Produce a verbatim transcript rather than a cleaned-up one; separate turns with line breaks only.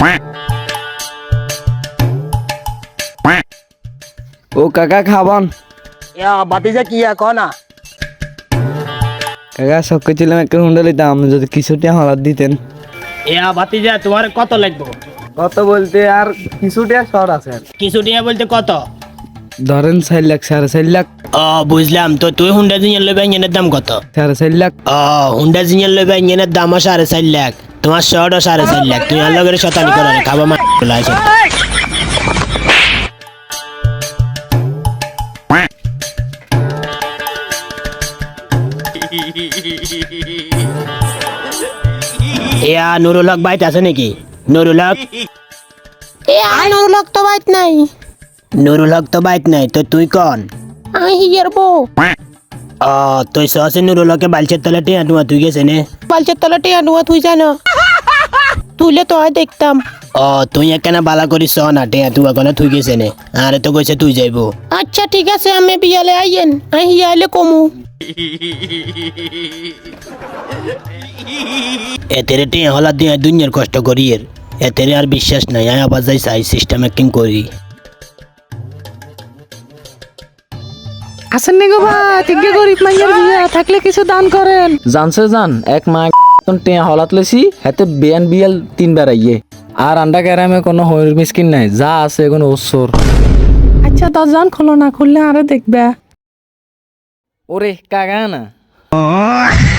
ও কাকা খাবান
বাতিজা কি কনা
কাকা সব ছিলাম একটা হুন্ডা লিতাম যদি কিছুটা হলাদ দিতেন।
ইয়া বাতিজা তোমার কত লাগবে?
কত বলতে আর কিছুটা শর্ট আছে,
কিছু টিয়া বলতে কত?
ধরেন চার লাখ সাড়ে চার লাখ।
ও বুঝলাম, তো তুই হুন্ডা জিনিয়ার লইবা ইঞ্জিনের দাম কত?
সাড়ে চার লাখ।
ও হুন্ডা জিনিয়ার লইবা ইঞ্জিনের দামও সাড়ে চার লাখ, তোমার শর্টও সাড়ে চার লাখ। তুই আর লগের শতানি করে খাবা মা আছে। ইয়া নুরুল হক বাইত আছে নাকি? নুরুল হক
নুরুল হক তো বাইত নাই।
নুরুল হক তো বাইত নাই, তো তুই কন?
আমি হিয়ার বউ।
ও তুই সহসে নুরুল হকে বালচের তলে টিয়া টুয়া তুই গেছে নে?
বালচের তলা টিয়া নুয়া তুই জানো তুইলে তো হয় দেখতাম।
ও তুই একখানা বালা করিস না টিয়া টুয়া কোনে তুই গেছে নে? আরে তো কইছে তুই যাইবো।
আচ্ছা ঠিক আছে, আমি বিয়ালে আইয়েন, আমি হিয়া আইলে কমু।
এতেরে টিয়া হলা দিয়ে দুনিয়ার কষ্ট করি এর এতেরে আর বিশ্বাস নাই। আয় আবার যাই সাই সিস্টেম একদিন করি।
আসেন নি গো ভাই, তিনকে গরিব মাইয়ার বিয়া থাকলে কিছু দান করেন।
জানছে জান এক মা টিয়া হলাত লেছি হাতে বিয়ান বিয়াল তিনবার আইয়ে আর আন্ডা গ্রামে কোনো হরির মিসকিন নাই, যা আছে এখন ওসর।
আচ্ছা দরজান খোলো না, খুললে আরে দেখবে।
ওরে কাকা না